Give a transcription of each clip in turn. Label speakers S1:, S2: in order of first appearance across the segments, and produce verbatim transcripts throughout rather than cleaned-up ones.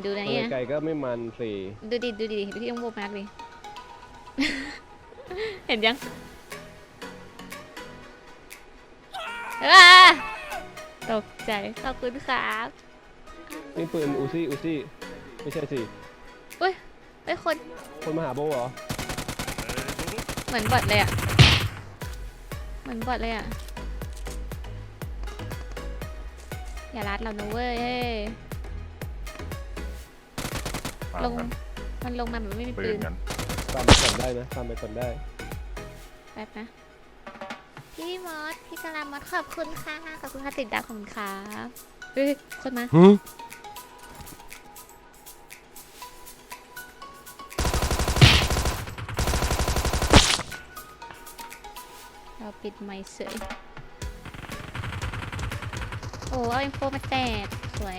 S1: ดูนะเนี่ย
S2: ไก่ก็ไม่มันสิ
S1: ดูดิดูดิพี่ต้องโบกมากดิ เห็นยังตกใจขอบคุณครับ
S2: นี่ปืนอูซี่อูซี่ไม่ใช่สิ
S1: อุ้ยไอ้คน
S2: คนมาหาโบเหรอ
S1: เหมือนบอทเลยอ่ะเหมือนบอทเลยอ่ะอย่ารัดเรานะเว้ยลงมันลงมาแบบไม่มีปืน
S2: ตามไปก่อนได้นะตามไปก่อนได้
S1: แป๊บนะพี่มอสพี่กะลามอสขอบคุณค่ะขอบคุณค่ะติดดาวของครับเฮ้ยคนมาเราปิดไมค์เสยโอ้เอาอินโฟมาแตกสวย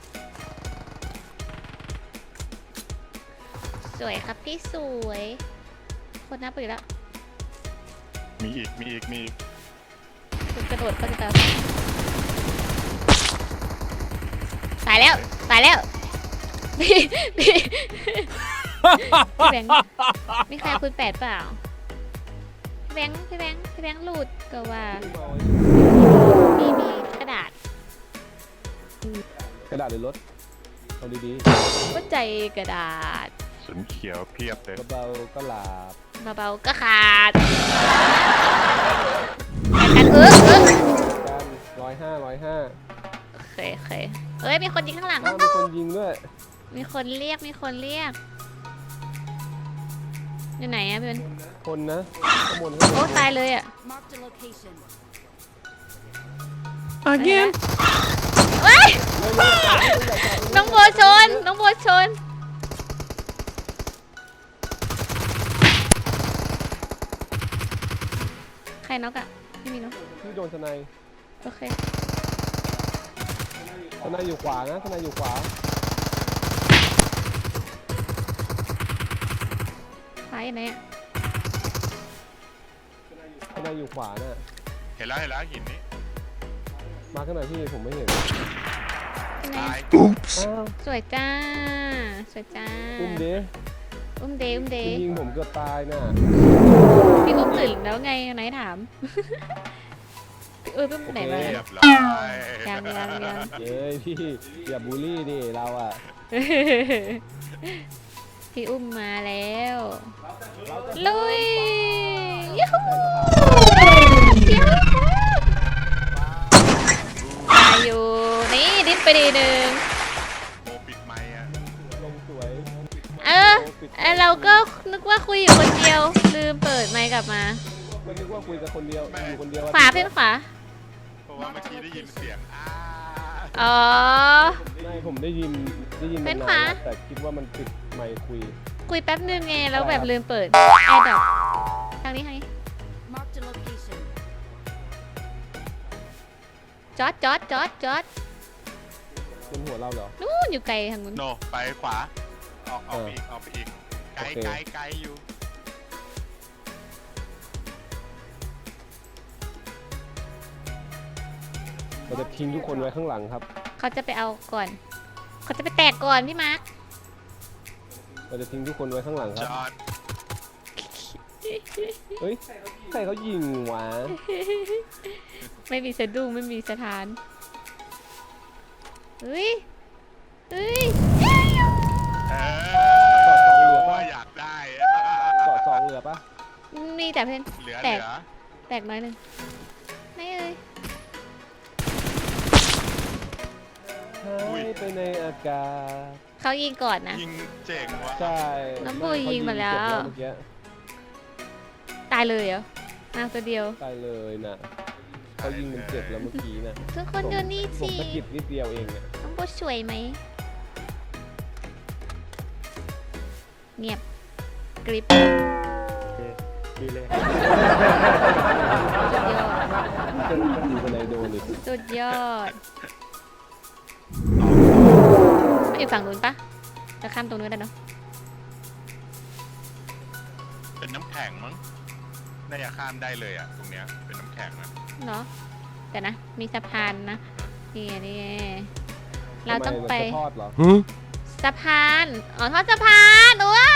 S1: สวยครับพี่สวยคนนับไปแล้ว
S3: มีอีกมีอีกมีอีก
S1: คุณกระโดดก็จะตายแล้วตายแล้วพี่พี่พี่แบงค์มีใครคุณแปดเปล่าพี่แบงค์พี่แบงค์พี่แบงค์หลุดก็ว่ามีมีกระดาษ
S2: กระดาษหรือรถเอาดี
S1: ๆก็ใจกระดาษ
S3: สุนเขียวเพียบเลย
S2: เบาๆก็หลับ
S1: เบาๆก็ขาดกันเออเออ
S2: กันร้อยห้าร้อยห้า
S1: โอเคโอเคเอ้ยมีคนยิงข้างหลัง
S2: มีคนยิงด้วย
S1: มีคนเรียกมีคนเรียกอยู่ไหนอะเพื่อน
S2: คนนะข้างบน
S1: โอ้ตายเลยอะ
S2: again
S1: เฮ้ยน้องโบชนน้องโบชนใครน็อกอะไม่มีน็อก
S2: พี่โดนสไนด์
S1: โอเค
S2: สไนด์อยู่ขวานะสไนด์อยู่ขวา
S1: ซ้ายไหนอะ
S2: สไนด์อยู่ขวาน่ะ
S3: เห็นแล้วเห็นแล้วหินนี้
S2: มาข้างหน้าพี่ผมไม่เห็น
S3: ตาย
S1: สวยจ้าสวยจ้า
S2: อุ้มเด
S1: อุ้มเดอุ้มเด
S2: ยิงผมเกือบตายน่ะ
S1: พี่อุ้มตื่นแล้วไงไหนถามเอออุ้มไหนมายังยังยัง
S2: เย้พี่อย่าบูลลี่ดิเราอะ
S1: พี่อุ้มมาแล้วลุยยูฮูตายอยู่นี่ดิฟไปดีหนึ่ง
S3: โบปิดไมค์อะ
S2: ลงสวย
S1: เออเราก็นึกว่าคุยอยู่คนเดียวลืมเปิดไมค์กลับมา
S2: ไม่นึกว่าคุยกับคนเดียวอยู่คนเดียว
S1: ขวาเพื่อนขวา
S3: เพราะว่าเมื่อกี้ได้ยินเสียงอ้า
S1: อ๋อ
S2: ไม่ผมได้ยินได้ยิน
S1: เป็นขวา
S2: แต่คิดว่ามันปิดไมค์คุย
S1: คุยแป๊บนึงไงแล้วแบบลืมเปิดแอร์ดรอปทางนี้ทางนี้จอดจอดจอดจอด
S2: บนหัวเราเหรอ
S1: นู่นอยู่ไกลทางนู้น
S3: โนไปขวาออกออกไปอีกออกไปอีกไกลไกลไกลอยู่
S2: เราจะทิ้งทุกคนไว้ข้างหลังครับ
S1: เขาจะไปเอาก่อนเขาจะไปแตกก่อนพี่มาร์ค
S2: เราจะทิ้งทุกคนไว้ข้างหลังครับ
S3: จอด
S2: เฮ้ยใครเขายิงวะ
S1: ไม่มีสะดุ้งไม่มีสถานเฮ้ยเฮ้ย
S3: เออว่าอยากได้
S2: เกาะสองเหลือปะ
S1: มีแต่เพื่อนแตกแตกน้อยหนึ่งไม่เอ้ย
S2: ไปในอากาศ
S1: เขายิงก่อนนะ
S3: ยิงเจ๋งวะ
S2: ใช่
S1: น้ำบูยิงมาแล้วตายเลยเหรอมาตัวเดียว
S2: ตายเลยนะเขายิงมันเจ็บแล้วเมื่อกี้นะ
S1: ทุกคนดูนี่สิ
S2: ผมตะกิดนิดเดียวเองเนี่ย
S1: น้ำบูสวยไหมเงียบกริบ
S2: ดีเลย
S1: สุดยอดมันอยู่ฝั่งนู้นปะจะข้ามตรงนู้นได้เนาะ
S3: เป็นน้ำแข็งมั้งน่าจะข้ามได้เลยอ่ะตรงเนี้ยเป็นน้ำแข็งนะ
S1: เนาะแต่นะมีสะพานนะนี่นี่เราต้องไปสสะพาน อ๋อทอดสะพานโอ้ย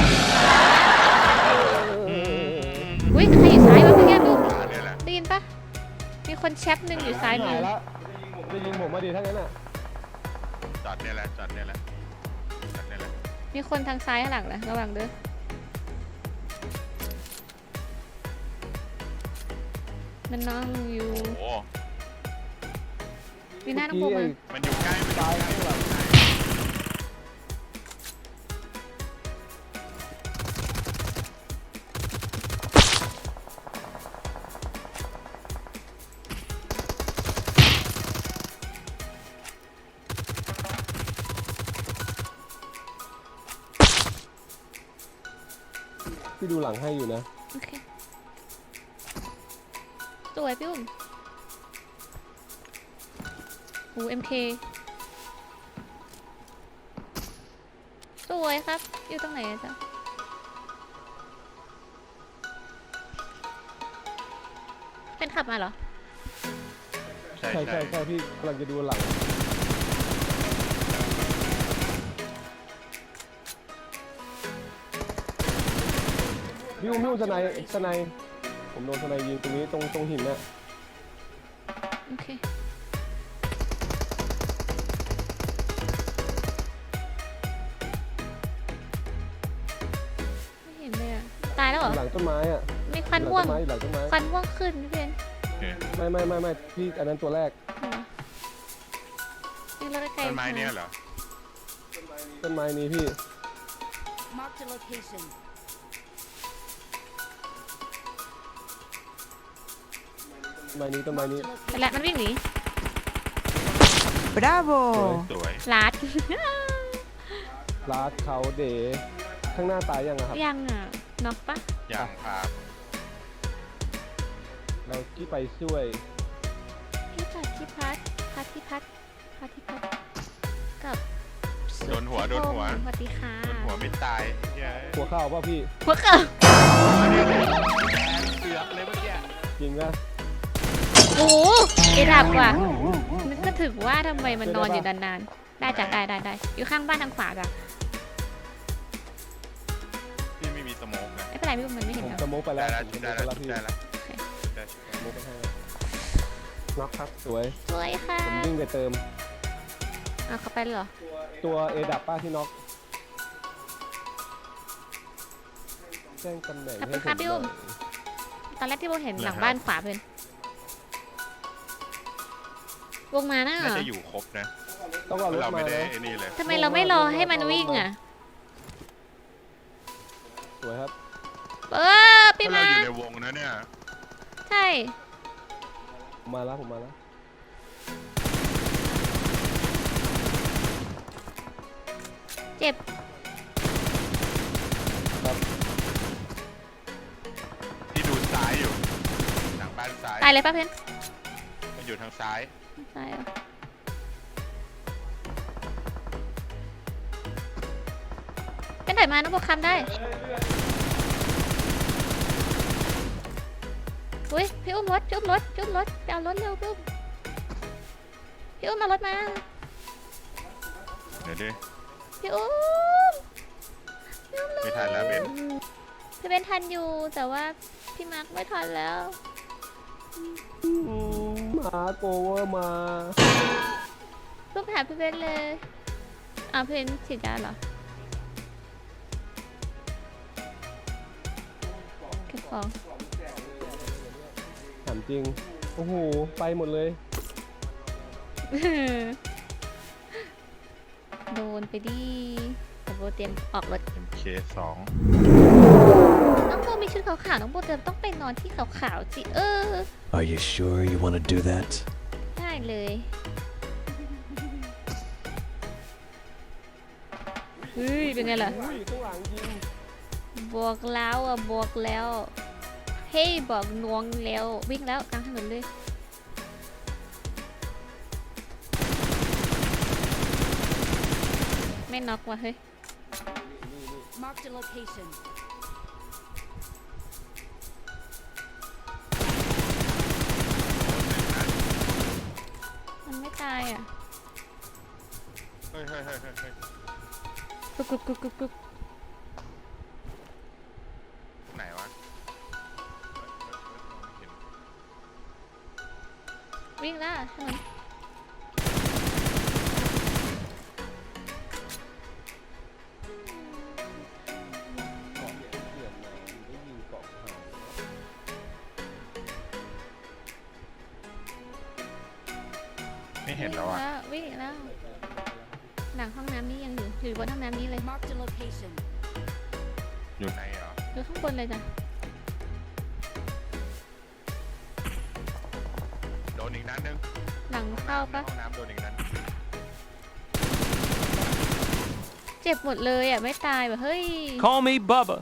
S1: อุ้ยใครอยู่ซ้ายวะพี่แก้มลูก
S3: ร้านเนี่ยแหละ
S1: ได้ยินปะมีคนแชปหนึ่งอยู่ซ้ายมื
S2: หา
S1: อ
S2: ยละจะยิงผมมาดีทั้งนั้นอ่ะ
S3: จอดเนี่ยแหละจอดเนี่ยแหละจอดเนี่ยแหละ
S1: มีคนทางซ้ายข้างหลังนะระวังเด้อมันนั่งอยู่
S3: โอ้โห
S1: มีหน้าน้องโบมา
S3: มันอยู่ใกล้มันอยู่
S2: ตาย
S3: ใกล้
S2: ข้างหลัง พี่ดูหลังให้อยู่นะ
S1: โอเคสวยพี่อุ้มโอ้เอ็มเคสวยครับ อยู่ตรงไหนอะจ๊ะเป็นขับมาเหรอ
S3: ใช่
S2: ใช่
S3: ใช่
S2: ใช่ใช่พี่กำลังจะดูหลังพี่อุ้มพี่อุ้มสไนสไนผมโดนสไนยิงตรงนี้ตรงตรงหินเนี่ย
S1: โอเค ไม่เห็นเลยอะตายแล้วเหรอ
S2: หลังต้นไม้อ่ะ
S1: มีควัน
S2: หลั
S1: ม่วง
S2: ต้นไม้หลังต้นไม้
S1: ควันม่วงขึ้นพี่เพน
S3: โอเค
S2: ไม่ไม่ไม่ไม่พี่อันนั้นตัวแรก
S1: เหรอนี่เราได้ไกล
S3: ต้นไม้เนี่ยเหรอ
S2: ต้นไม้นี้พี่
S4: Marked a location.
S2: ต้นไม้นี้ต้นไม้นี้
S4: Marked a
S1: ไป
S4: location.
S1: แล้วมันวิ่งหนี
S5: Bravo!
S3: สวย
S1: ลาด
S2: ลาดเขาเดย์ข้างหน้าตายยังอะครับ
S1: ยังอ่ะน็อกปะ
S3: ยังพา
S2: เราที่ไปช่วย
S1: พี่พัดพี่พัดพัดพี่พัดพัดพี่พัดกับ
S3: โดนหัวโดนหัว
S1: สวัสดีค่ะ
S3: โดนหัวไม่ตายเย้ย
S2: หัวเข้าป่ะพี่
S1: หัวเกิด
S3: เสือกเลยเมื่อกี้
S2: จริงนะ
S1: โอ้โหเอดับว่ะมันก็ถึงว่าทำไมมันนอนอยู่นานๆได้จ้ะได้ได้ได้อยู่ข้างบ้านทางขวาจ้ะ
S3: พี่ไม่มีสโมกนะ
S1: ไม่เป็นไรพี่มันไม่เห็น
S2: ผม
S1: แล้ว
S2: สโมกไปแล้
S3: ได้
S2: ว
S3: แล้ว
S2: ผมส
S3: ได้
S2: โมกไป
S3: แล้ว
S2: แล้วพี่
S3: ได้แล้วได้
S2: สโมกไปให้น็อกครับสวย
S1: สวยค่ะ
S2: ผมวิ่งไปเติม
S1: อ่ะเขาไปเลยเหรอ
S2: ตัวเอดับป้าที่น็อกแจ้งตำแหน่งให้ผมหน่อย
S1: ตอนแรกที่โบเห็นหลังบ้านขวาเพื่อนวงมาน่ะ
S3: น่าจะอยู่ครบนะ
S2: ต้องเอารถ
S3: เรา
S2: มา
S3: ไม่ได้
S2: นะ
S3: ไอ้นี่เลย
S1: ทำไมเราไม่รอให้มันวิ่งอ่ะ
S2: สวยครับ
S1: เออพี่
S3: ถ้าเรา
S1: มา
S3: อยู่ในวงนะเนี่ย
S1: ใช่
S2: ผมมาแล้วผมมาแล้ว
S1: เจ็บ
S2: ครับ
S3: ที่ดูซ้ายอยู่หลังบ้านซ้าย
S1: ตายเลยป่ะเพื่อน
S3: มันอยู่ทางซ้าย
S1: ตายเหรอเป็นถอยมาน้องโบคำได้อุ้ยพี่อุ้มรถพี่อุ้มรถพี่อุ้มรถไปเอารถเร็วพี่อุ้มพี่อุ้มเอารถมา
S3: เดี๋ยวดิ
S1: พี่อุ้มพี่อุ้ม
S3: ไม่ทันแล้วเบน
S1: พี่เบนทันอยู่แต่ว่าพี่มาร์คไม่ทันแล้ว
S2: มาโกเวอร์มา
S1: เพิ่งไปหาพี่เบนเลยอ้าวพี่เบนฉีดยาเหรอเก็บของ
S2: ถามจริง โอ้โห ไปหมดเลย
S1: โดนไปดิแต่โบเตรียมออกรถ
S3: เคสอง
S1: น้องโบมีชุดขาวๆน้องโบจะต้องไปนอนที่ขาวๆสิเออ
S6: Are you sure you want to do that?
S1: ได้เลยเฮ้ยเป็นไงล่ะ
S2: อุ้ยข้างหลังยิง
S1: บอกแล้วอ่ะบอกแล้วเฮ้ยบอกนวงแล้ววิ่งแล้วกลางถนนเลยไม่น็อกว่ะเฮ้ย
S4: Marked a location.
S1: มันไม่ตายอ่ะ
S3: เฮ้ยเฮ้ยเฮ้ยเฮ้ยเฮ้ย
S1: กุ๊กกุ๊กกุ๊กกุ๊กกุ๊ก
S3: ไหนวะเฮ้ยเฮ้ยเฮ้ยมองไม่เห็น
S1: วิ่งแล้วถนน
S2: เกาะเปลี่ยนมาได้ยิงเกาะหาย
S3: ไม่เห็นแล้วอ่ะ
S1: วิ่งแล้ว หลังห้องน้ำนี่ยังอยู่ อยู่บนห้องน้ำนี้เลย
S4: Marked a location.
S3: อยู่ไหนเหรอ
S1: อยู่ข้างบนเลยจ้ะ
S3: โดนอีกนัดนึง
S1: หลังเข้าปะ
S3: ห้องน้ำโดนอีกนัด
S1: เจ็บหมดเลยอ่ะ ไม่ตายแบบเฮ้ย
S6: Call me Bubba.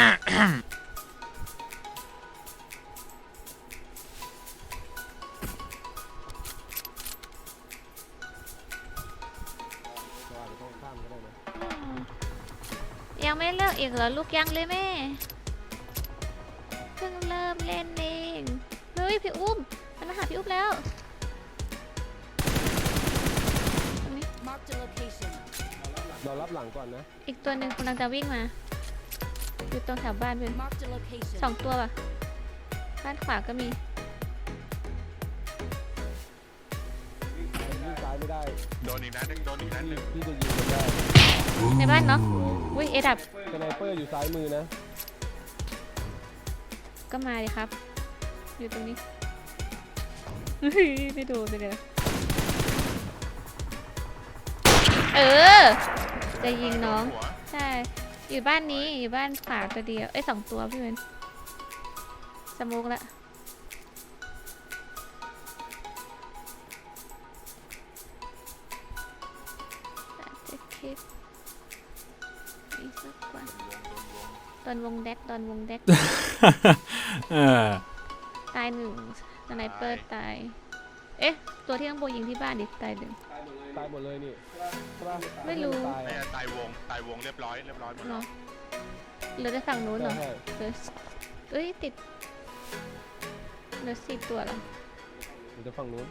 S2: เราอาจจะต้องข้ามก็ได้นะ
S1: ยังไม่เลิกอีกเหรอ ลูกยังเลยแม่ เพิ่งเริ่มเล่นเองเฮ้ยพี่อุ้มมันมาหาพี่อุ้มแล้วตรงนี้
S4: Marked a location.
S2: เรารับหลังก่อนนะ
S1: อีกตัวหนึ่งกำลังจะวิ่งมา อยู่ตรงแถวบ้านเพื่อน
S4: Marked a location.
S1: สองตัวป่ะบ้านขวาก็มี
S2: วิ่งซ้ายไม่ได้
S3: โดนอีกนัดนึงโดนอีกนัดนึง
S2: ที่จะยิงมันได้
S1: ในบ้านเนาะอุ้ยเอดับ
S2: สไนเปอร์อยู่ซ้ายมือนะ
S1: ก็มาดิครับ อยู่ตรงนี้ไม่โดนเลยนะเออ จะยิงน้อง
S3: หัว
S1: ใช่ อยู่บ้านนี้ อยู่บ้านขวาตัวเดียว เอ้ยสองตัวพี่เวนสมุกละจะคลิปอีกสักวันตอนวงแดกตอนวงแดก
S6: Uh,
S1: ตายหนึ่งสไนเปอร์ตาย เอ๊ะ ตัวที่ต้องโบยิงที่บ้านดิตายหนึ่ง
S2: ตายหมดเลยนี่ใช่ปะ
S1: ไม่รู้
S2: ตาย
S3: ไม่ใช่ตายวงตายวงเรียบร้อยเรียบร้อยหมด
S1: เหร
S3: แล้
S1: อ
S3: ว
S1: เหลือแต่ฝั่งนู้นเหรอ
S2: ใช่
S1: เหลือเอ้ย ติดเหลือสิบตัวเหรอ
S2: เดี๋ยวจะฝั่งนู้น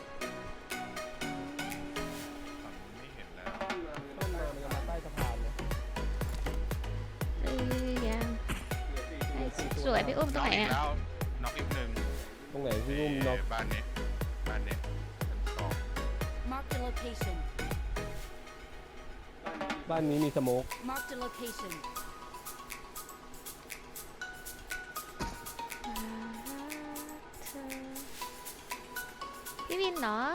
S3: ฝั่งนู้นไม่เห็นแล้ว
S2: ต้นมามันจะมาใต้สะพานนะ
S1: เอ้ยยังสวยพี่อุ้มตรงไหน
S3: น็อกอีก
S1: อ่ะ
S3: แล้วน็อกอีกหนึ่ง
S2: ตรงไหนพี่อุ้มน็อก
S3: บ้านนี้บ้านนี้ชั้นสอง
S4: Marked a location.
S2: บ้านนี้มีสโมก
S4: Marked a location.
S1: พี่วินเหรอ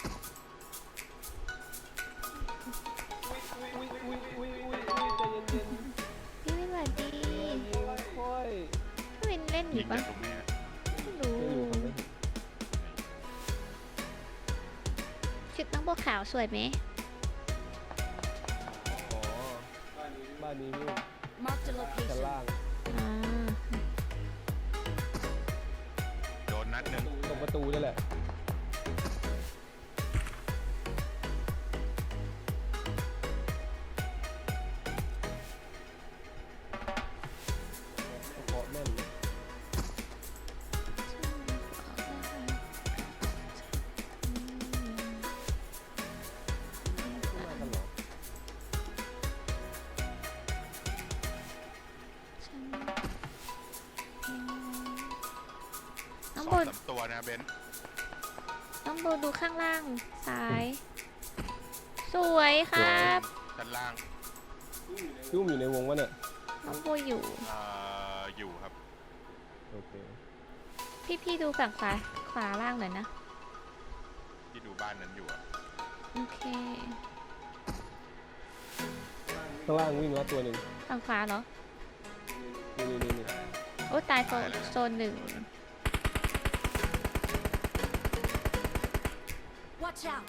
S2: อุ้ยอุ้ยอุ้ยอุ้ยอุ้ยใจเย็น
S1: พี่วินสวัสดี
S2: ๆยิงค่อย
S1: พี่วินเล่นอ
S3: ยิ
S1: ยู่
S3: ง
S1: ปะ
S3: จากตรงนี้
S1: ไม่รู้
S2: ไม่อยู่ครับไม่อยู่
S1: ชุดน้องบัวขาวสวยไหม
S2: อ๋อบ้านนี้พี่อุ้ม
S4: Marked a
S2: ชั้น
S4: location.
S2: ล่าง
S1: อ่า
S3: โดนนัดหนึ่ง
S2: ตรงประตูนี่แหละเคาะแม่นเลย มากันเหรอ
S1: น้อง
S3: ส
S1: โบ
S3: องสามตัวนะเบนซ์
S1: น้องโบดูข้างล่างซ้าย สวยครับ
S3: ชั้นล่าง
S2: พี่อุ้มอยู่ในวงวะเนี่ย
S1: น้องโบอยู่
S3: เอ่ออยู่ครับ
S2: โอเค
S1: พี่พี่ดูฝั่งขวาขวาล่างหน่อยนะ
S3: ที่ดูบ้านนั้นอยู่อะ
S1: โอเค
S2: ข้างล่างวิ่งแล้วตัวหนึ่ง
S1: ฝั่งขวาเหรอ
S2: นี่นี่นี่นี่
S1: โอ้ตายโซนโซนหนึ่ง
S4: Watch out.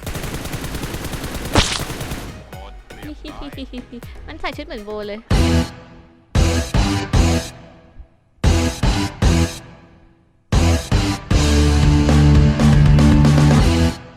S3: โอ้เรียบร้อย
S1: มันใส่ชุดเหมือนโบเลย
S3: เ